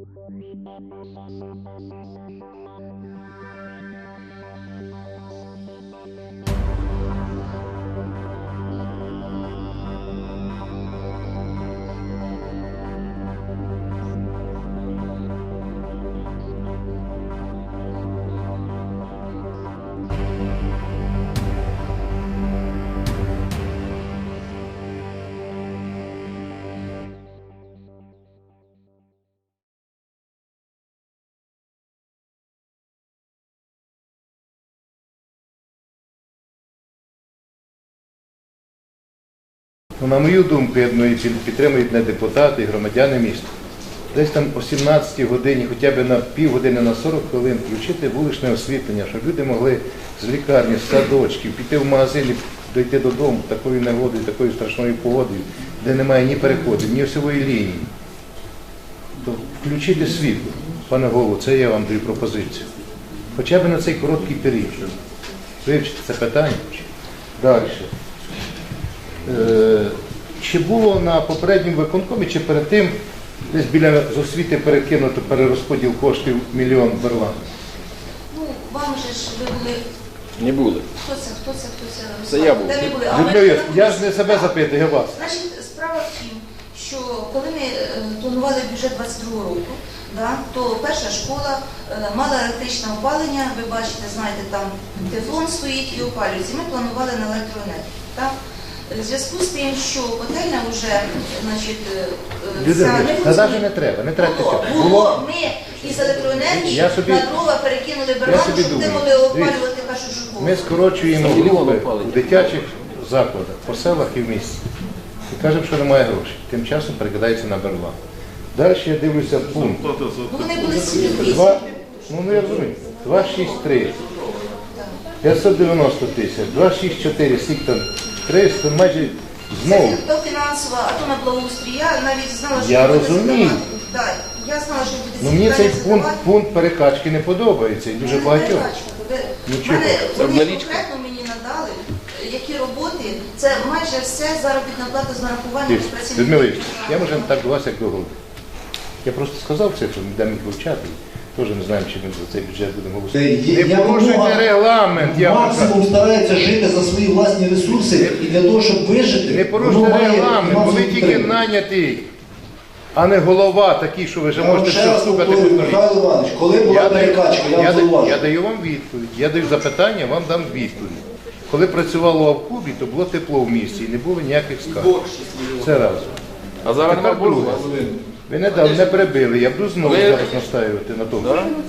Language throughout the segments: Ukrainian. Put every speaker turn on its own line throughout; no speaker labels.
На мою думку, я думаю, підтримують не депутати, і громадяни міста. Десь там о 17 годині, хоча б на півгодини, на 40 хвилин включити вуличне освітлення, щоб люди могли з лікарні, з садочків, піти в магазин і дойти додому такою негодою, такою страшною погодою, де немає ні переходів, ні осьової лінії. То включити світло, пане голово, це я вам даю пропозицію. Хоча б на цей короткий період. Вивчити це питання. Далі. Чи було на попередньому виконкомі, чи перед тим десь біля з освіти перекинуто перерозподіл коштів $1 мільйон Берлан?
Ну, вам же ж ви були...
Не були.
Хто це?
Це я був.
Де ви були?
Я ж не себе запитую, я вас.
Значить, справа в тім, що коли ми планували бюджет 22 року, то перша школа мала електричне опалення, ви бачите, знаєте, там тефлон стоїть і опалюється. Ми планували на електроенергію. В зв'язку з тим, що котельня вже,
навіть не треба
було, ми із електроенергії на дрова перекинули Берлан, щоб ти могли опалювати першу школу.
Ми скорочуємо групи в дитячих закладах, по селах і в місті. І кажемо, що немає грошей. Тим часом перекидається на Берлан. Далі я дивлюся пункт.
Вони були 7
Ну, я розумію. 263. 590 тисяч. 264, скільки там? 300, майже знову.
Це то фінансова, а то на благоустрій. Я навіть знала, що
я розумію.
Так, я знала, що буде
ну, мені цей пункт перекачки не подобається і дуже багатьох.
Вони конкретно мені надали, які роботи, це майже все заробітна плата з нарахуванням працівників.
Людмила, я може так до вас, як до голови. Я просто сказав цифру, де міг вивчати. Теж не знаємо, чи ми за цей бюджет будемо голосувати. Не порушуйте регламент.
Максимум старається жити за свої власні ресурси і для того, щоб вижити.
Не порушуйте регламент, бо ви тільки нанятий, а не голова такий, що ви вже можете все слухати.
Михайло Іванович, коли була перекачка,
я даю вам відповідь. Я даю запитання, вам дам відповідь. Коли працювало в Кубі, то було тепло в місті і не було ніяких скарг. Це раз.
А зараз
тепер друге. Ви не перебили, я буду знову зараз настаювати на тому.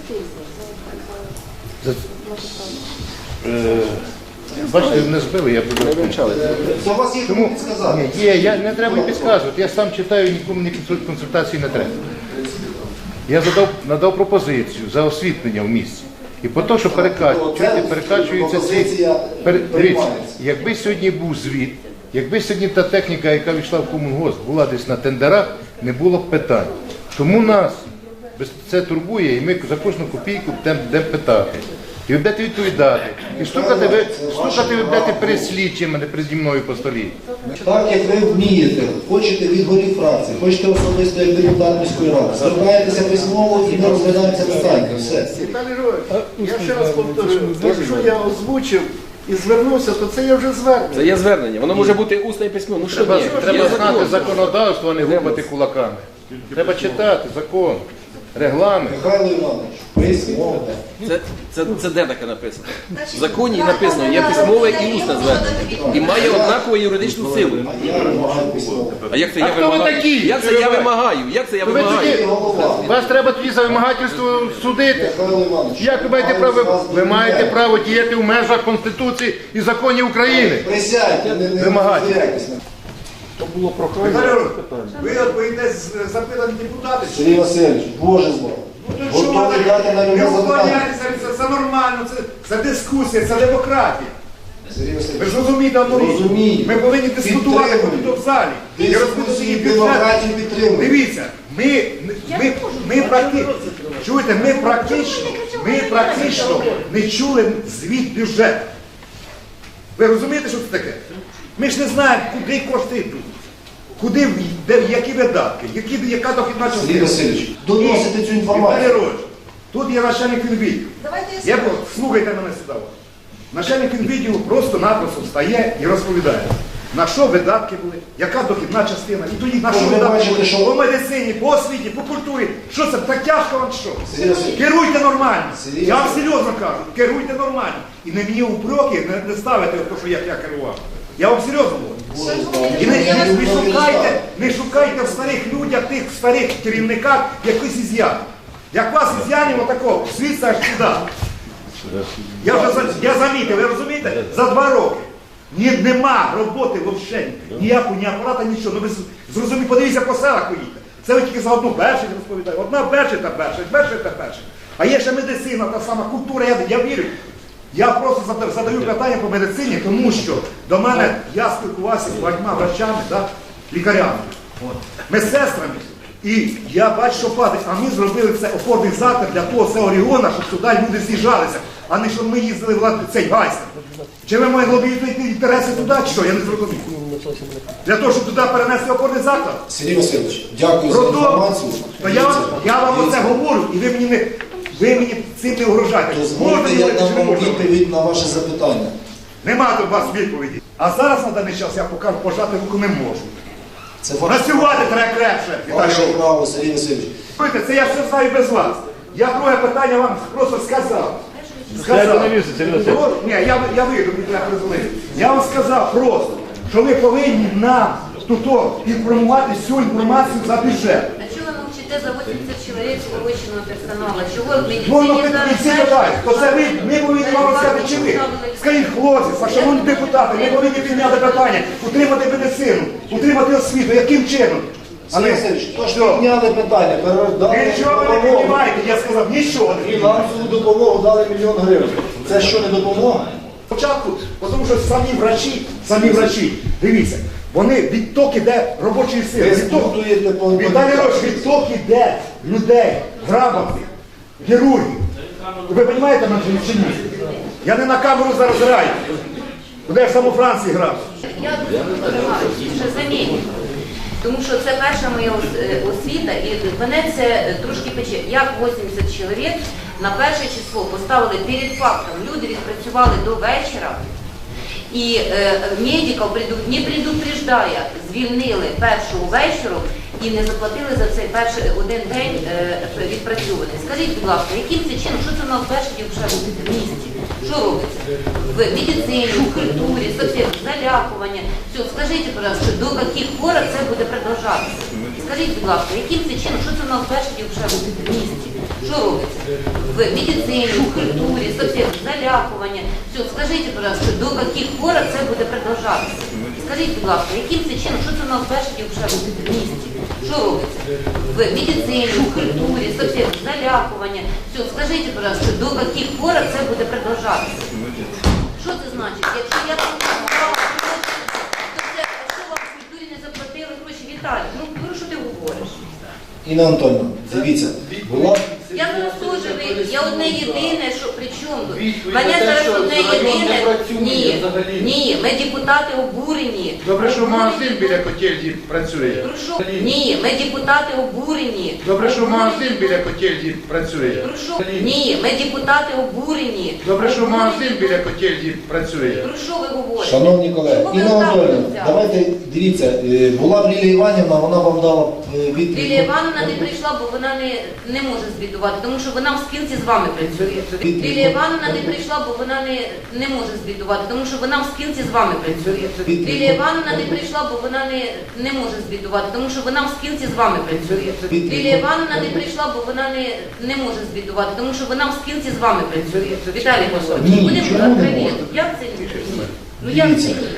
Бачите, не збили, я буду вивчати.
Це у вас є кому підсказати?
Ні, є, не треба підказувати, я сам читаю, нікому ні консультації не треба. Я надав пропозицію за освітлення в місті. І по те, що перекачуються ці... Дивіться, якби сьогодні був звіт, якби сьогодні та техніка, яка війшла в комунгосп, була десь на тендерах, не було б питань. Тому нас це турбує, і ми за кожну копійку будемо питати. І ви будете відповідати. І стукати ви будете перед слідчим, а не переді мною по столі.
Так, як ви вмієте, хочете від голів фракції, хочете особисто як депутат міської ради, звертаєтеся письмово і ми розглядаємо це питання. Все.
Я ще раз повторюю, якщо я озвучив і звернувся, то це є вже звернення.
Це є звернення, воно може бути усне і письмове. Ну що ні?
Треба знати законодавство, а не гупати кулаками. Треба читати закон, регламент.
Михайло Іванович, письмово.
Це де таке написано? В законі написано, є письмове і усне звернення. І має однакову юридичну силу.
Я вимагаю письмово.
А як це я
хто ви
вимагаю?
такі?
Як це я вимагаю? Як це я вимагаю?
Вас треба тоді за вимагательство судити.
Михайло Іванович,
Як ви маєте право? Ви маєте право діяти в межах Конституції і законів України.
присядьте, не
Вимагайте.
То було прохання.
Ви боїтесь запитань депутатів?
Сергій Васильович, Боже збав. Готові дати на любе запитання.
Це нормально, це дискусія, це демократія.
Сергій
Ви
Васильович,
ж розумієте одну річ?
розумію.
Ми повинні дискутувати
Підтримую.
тут в залі. І розбудувати
Дискусії,
бюджет.
демократію підтримуємо.
Дивіться, ми практично не чули звіт бюджету. Ви розумієте, що це таке? Ми ж не знаємо, куди кошти йдуть. Куди, які видатки, яка дохідна
Сергій
частина.
Васильович, доносите розголосити цю інформацію.
Віталій Ігорович, тут є начальник фінвідділу.
Давайте я
Я
скажу.
слухайте мене сюди. Начальник фінвідділу просто-напросто встає і розповідає, на що видатки були, яка дохідна частина, і тоді на що
Ви
видатки
бачите,
були
що-
по медицині, по освіті, по культурі. Що це, так тяжко вам що?
Сергій Васильович.
Керуйте нормально.
Сергій
Я вам
Васильович.
серйозно кажу, керуйте нормально. І не мені упреки не ставите те, що я керував. Я вам серйозно говорю. І не шукайте в старих людях, тих старих керівниках якийсь із'ян. Як вас із'янів отакого, світ аж сюди. Я замітив, ви розумієте, за 2 роки нема роботи взагалі, ніякого, ні апарата, нічого. Ну ви зрозумієте, подивіться по селах поїдьте. Це ви тільки за одну Бершик розповідаєте. Одна Бершик та Бершик. А є ще медицина, та сама культура, я вірю. Я просто задаю питання по медицині, тому що до мене я спілкувався з багатьма врачами, да, лікарями, медсестрами. І я бачу, що падає, а ми зробили це опорний заклад для того регіону, щоб туди люди з'їжджалися, а не щоб ми їздили в цей Гайсен. Чи ви маєте лобіювати інтереси туди, чи що? Я не зрозумів. Для того, щоб туди перенести опорний заклад?
Сергій Васильович, дякую за інформацію.
То я вам оце говорю, і ви мені цим не угрожаєте.
Дозвольте, я
говорити,
дам
чи не
вам
можна?
відповідь на ваше запитання.
Нема до вас відповіді. А зараз на даний час я покажу, пожати руку не можу.
Це ваше,
Працювати треба крепше, Віталій
ваше
Ігорович.
право, Сергій Васильович.
Слухайте, це я все знаю без вас. Я друге питання вам просто сказав. Ні, я вийду, мені треба призвонити. Я вам сказав просто, що ви повинні нам тут інформувати всю інформацію за бюджет.
А чего вы молчите за 80 человек срочного персонала? Чего в
Ну,
медицине
і всі питають, то це ми повинні вам розказати, чи ви. Скажіть, хлопці, шановні депутати, ми повинні підняти питання, утримати медицину, утримати освіту, яким чином?
Сергій Васильович, то ж підняли питання, передали
Нічого ви не
допомогу.
піднімаєте, я сказав, нічого не піднімаєте.
Фінансову допомогу дали 1 мільйон гривень. Це що, не допомога?
Спочатку, тому що самі врачі, дивіться, вони відток іде робочої сили.
Ви збудуєте по
Віталій Ігорович, відток іде людей, грамотних, хірургів. Ви розумієте мене чи ні? Я не на камеру зараз граю. Куди я в саму Франції грав?
Я дуже сподіваюся, що заміню. Тому що це перша моя освіта, і мене це трошки пече. Як 80 чоловік на перше число поставили перед фактом. Люди відпрацювали до вечора, і медиків, не предупреждая, звільнили першого вечора і не заплатили за цей перший один день відпрацьований. Скажіть, будь ласка, яким це чином, що це у нас перший день вже робити в місті? Що робиться? В медицині, в культурі, совсем, залякування. Все, скажіть, будь ласка, до яких пор це буде продовжатися? Скажіть, будь ласка, яким це чином, що це у нас перший день вже робити в місті? Що робиться? В медицині, в культурі, совсем, залякування. Все, скажіть, будь ласка, до яких пор це буде продовжатися? Скажіть, будь ласка, яким це чином, що це у нас перший день вже робити в місті? Що робиться? В медицині, в культурі, совсем, залякування. Все, скажіть, будь ласка, до яких пор це буде продовжатися? Що це значить? Якщо я працювала гроші, то це що вам в культурі не заплатили гроші? Віталій, ну про що ти говориш?
Інна Анатольовна, дивіться, була...
Я зараз теж вийду. Я одне єдине, що при чому тут? Мене зараз одне єдине. Ні, ми депутати обурені.
Добре, що магазин біля котельні працює.
Про що? Ні, ми депутати обурені.
Добре, що магазин біля котельні працює.
Про що? Ні, ми депутати обурені.
Добре, що магазин біля котельні працює.
Про що ви говорите?
Шановні колеги,
Чого ви
Інна
так
Анатольовна,
взяли?
давайте, дивіться, була б Лілія Іванівна, вона вам дала відповідь.
Лілія Івановна не прийшла, бо вона не може звітувати, тому що вона в спілці з вами працює. Лілія Івановна не прийшла, бо вона не може звітувати, тому що вона в спілці з вами працює. Лілія Івановна не прийшла, бо вона не може звітувати, тому що вона в спілці з вами працює. Лілія Івановна не прийшла, бо вона не може звітувати, тому що вона в спілці з вами працює. Віталій Павлович,
Ні,
будемо
чому не
відкриті.
може?
Як це ні? Ну як це ні?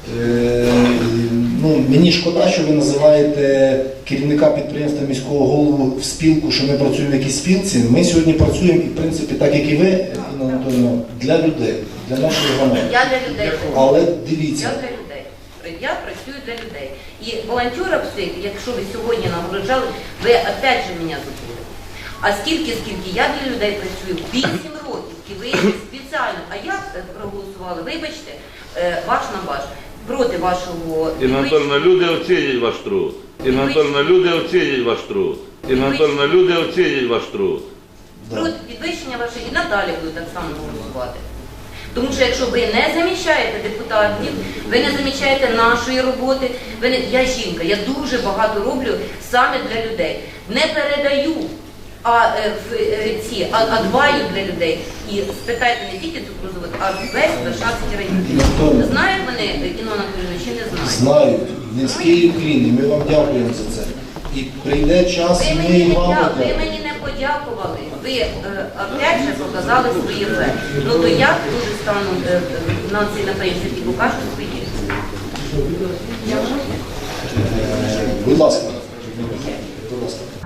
Мені шкода, що ви називаєте керівника підприємства міського голову в спілку, що ми працюємо в якійсь спілці. Ми сьогодні працюємо, і в принципі, так як і ви, Інна Анатольовна, для людей, для нашої громади.
Я для людей.
Але
Я
дивіться,
для людей. Я працюю для людей. І волонтерів всіх, якщо ви сьогодні нагороджали, ви опять же мене забули. А скільки я для людей працюю? 8 років. І ви спеціально. А як проголосували? Вибачте, ваш на ваш. Проти вашого...
Інна Анатольовна, люди оцінять ваш труд. Інна Анатольовна, люди оцінять ваш труд. Інна Анатольовна, люди оцінять ваш труд.
Труд підвищення ваше і надалі буду так само голосувати. Тому що якщо ви не замічаєте депутатів, ви не замічаєте нашої роботи, я жінка, я дуже багато роблю саме для людей. Не передаю, а дбаю для людей. І спитайте не тільки цукрозавод, а весь Варшавський район. Знають вони, Інна Анатоліївна, чи не знають?
Знають. Низький уклін, і ми вам дякуємо за це. І прийде час,
Ви
і ми
мені,
і вам
ви
подякуємо.
мені не подякували. Ви опять же показали свої фе. Ну то я дуже стану на цій напрямці і покажу свої.
Будь ласка. Будь ласка.